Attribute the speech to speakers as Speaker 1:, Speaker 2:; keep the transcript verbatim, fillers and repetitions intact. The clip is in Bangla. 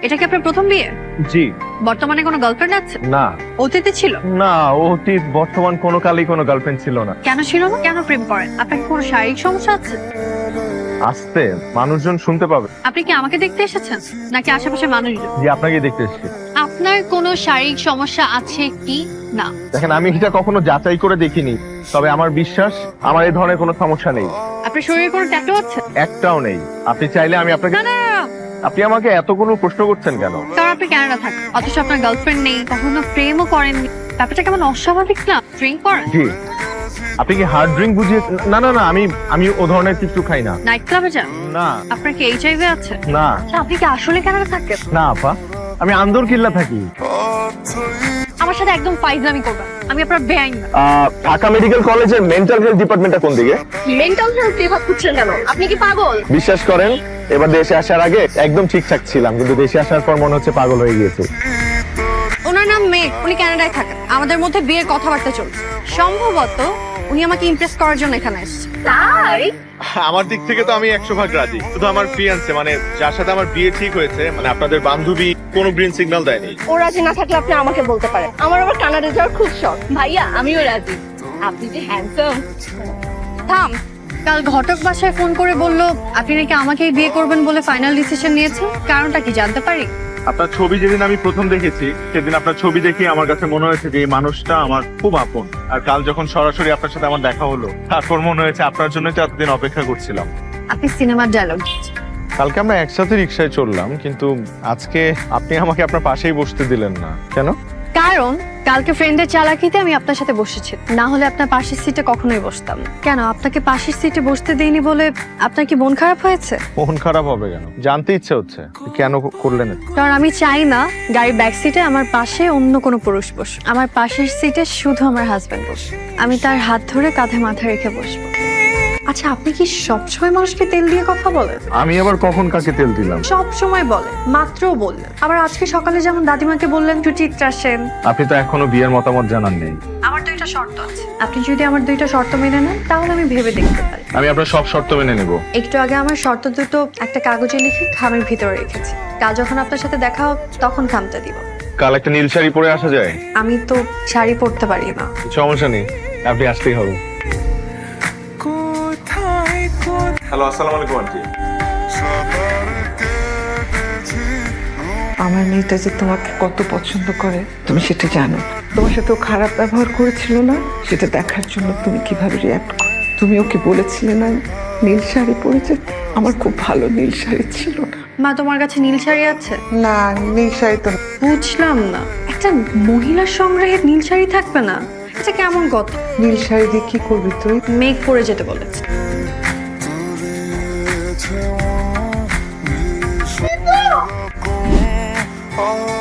Speaker 1: এটা কি আপনার প্রথম বিয়ে?
Speaker 2: জি।
Speaker 1: বর্তমানে কোনো গার্লফ্রেন্ড আছে?
Speaker 2: না।
Speaker 1: অতীতে ছিল?
Speaker 2: না, অতীত বর্তমান কোনো কালেই কোনো গার্লফ্রেন্ড ছিল না।
Speaker 1: কেন ছিল না? কেন প্রেম করেন? আপনার কি কোনো শারীরিক সমস্যা আছে?
Speaker 2: আসতে মানুষজন শুনতে পাবে।
Speaker 1: আপনি কি আমাকে দেখতে এসেছেন নাকি আশেপাশে মানুষজন?
Speaker 2: জি, আপনাকে দেখতে এসেছি।
Speaker 1: আপনার কোনো শারীরিক সমস্যা আছে কি না?
Speaker 2: দেখেন, আমি এটা কখনো যাচাই করে দেখিনি, তবে আমার বিশ্বাস আমার এই ধরনের কোনো সমস্যা নেই।
Speaker 1: আপনার শরীরে কোনো ট্যাটু আছে?
Speaker 2: একটাও নেই। আপনি চাইলে আমি আপনাকে।
Speaker 1: না না না, না।
Speaker 2: আপনি আমাকে এতগুলো প্রশ্ন করছেন কেন?
Speaker 1: কারণ আপনি কানাডা থাকেন, অথচ আপনার গার্লফ্রেন্ড নেই, কখনো প্রেমও করেননি। ব্যাপারটা কেমন অস্বাভাবিক না? ড্রিঙ্ক করেন?
Speaker 2: জি। আপনি কি হার্ড ড্রিঙ্ক বুঝিয়ে? না না না, আমি আমি ও ধরনের কিছু খাই না।
Speaker 1: নাইট ক্লাবে যান?
Speaker 2: না।
Speaker 1: আপনার কি এইচআইভি আছে?
Speaker 2: না।
Speaker 1: আপনি কি আসলে কানাডা থাকেন?
Speaker 2: না আপা, আমি আন্দর কিল্লা থাকি।
Speaker 1: আমার সাথে একদম ফাইজলামি করবেন, আমি আপনার বেআইন না।
Speaker 2: ঢাকা মেডিকেল কলেজের মেন্টাল হেলথ ডিপার্টমেন্টটা কোন দিকে?
Speaker 1: মেন্টাল হেলথ বিভাগ খুঁজছেন কেন? আপনি কি পাগল?
Speaker 2: বিশ্বাস করেন, এবার দেশে আসার আগে একদম ঠিকঠাক ছিলাম, কিন্তু দেশে আসার পর মনে হচ্ছে পাগল হয়ে গিয়েছে।
Speaker 1: ওনার নাম মেঘ, উনি কানাডায় থাকেন। আমাদের মধ্যে বিয়ের কথাবার্তা চলছে। সম্ভবত উনি আমাকে ইমপ্রেস করার জন্য এখানে এসেছে। তাই
Speaker 2: আমার দিক থেকে তো আমি একশো ভাগ রাজি, শুধু আমার ফিয়ান্সে মানে যার সাথে আমার বিয়ে ঠিক হয়েছে, মানে আপনাদের বান্ধবী কোনো গ্রিন সিগন্যাল দেয়নি।
Speaker 3: ও রাজি না থাকলে আপনি আমাকে বলতে পারেন। আমার আবার কানাডা যাওয়ার খুব শখ। ভাইয়া আমিও রাজি। আপনি যে হ্যান্ডসাম।
Speaker 1: থাম। কাল ঘটক বাসায় ফোন করে বলল আপনি নাকি আমাকেই বিয়ে করবেন বলে ফাইনাল ডিসিশন নিয়েছেন। কারণটা কি জানতে পারি?
Speaker 2: আপনার ছবি যেদিন আমি প্রথম দেখেছি, সেদিন আপনার ছবি দেখে আমার কাছে মনে হয়েছে যে এই মানুষটা আমার খুব আপন। আর কাল যখন সরাসরি আপনার সাথে আমার দেখা হলো, তারপর মনে হয়েছে আপনার জন্যই তো এতদিন অপেক্ষা করছিলাম।
Speaker 1: আপনি সিনেমার ডায়লগ।
Speaker 2: কালকে আমরা একসাথে রিক্সায় চললাম, কিন্তু আজকে আপনি আমাকে আপনার পাশেই বসতে দিলেন না কেন?
Speaker 1: কারণ কালকে ফ্রেন্ডের চালাকিতে আমি আপনার সাথে বসেছি, না হলে আপনার পাশের সিটে কখনোই বসতাম না। কেন আপনাকে পাশের সিটে বসতে দেইনি বলে আপনার কি মন খারাপ হয়েছে?
Speaker 2: মন খারাপ হবে কেন? জানতে ইচ্ছে হচ্ছে কেন করলেন?
Speaker 1: কারণ আমি চাই না গাড়ির ব্যাক সিটে আমার পাশে অন্য কোনো পুরুষ বসে। আমার পাশের সিটে শুধু আমার হাজবেন্ড বসে। আমি তার হাত ধরে কাঁধে মাথা রেখে বসবো। আচ্ছা, আপনি কি সবসময় মানুষকে তেল দিয়ে কথা বলেন?
Speaker 2: আমি আবার কখন কাকে তেল দিলাম?
Speaker 1: সব সময় বলেন, মাত্রও বললেন। আবার আজকে সকালে যেমন দাদিমাকে বললেন সুচিত্রা সেন।
Speaker 2: আপনি তো এখনো বিয়ের মতামত জানান নেই।
Speaker 1: আমার দুইটা শর্ত আছে, আপনি যদি আমার দুইটা শর্ত মেনে নেন তাহলে আমি ভেবে দেখতে পারি।
Speaker 2: আমি আপনার সব শর্ত মেনে নেব।
Speaker 1: একটু আগে আমার শর্ত দুটো একটা কাগজে লিখে খামের ভিতরে রেখেছি। কাল যখন আপনার সাথে দেখা হোক তখন খামটা দিব।
Speaker 2: কাল একটা নীল শাড়ি পরে আসা যায়?
Speaker 1: আমি তো শাড়ি পরতে পারি না।
Speaker 2: সমস্যা নেই, আপনি আসতেই হবে। হ্যালো, আসসালামু আলাইকুম আন্টি।
Speaker 4: আমার মেয়েটা যে তোমাকে কত পছন্দ করে তুমি সেটা জানো। তোমার সাথে ও খারাপ ব্যবহার করেছিল না, সেটা দেখার জন্য তুমি কিভাবে রিয়াক্ট করো। তুমি ওকে বলেছিলে না নীল শাড়ি পরেছে? আমার খুব ভালো নীল শাড়ি ছিল না।
Speaker 1: মা, তোমার কাছে নীল শাড়ি আছে?
Speaker 4: না, নীল শাড়ি তো
Speaker 1: বুঝলাম না, একটা মহিলার সংগ্রহে নীল শাড়ি থাকবে না? এটা কেমন কথা?
Speaker 4: নীল শাড়ি দিয়ে কি করবি তুই?
Speaker 1: মেঘ পরে যেতে বলেছে।
Speaker 5: Oh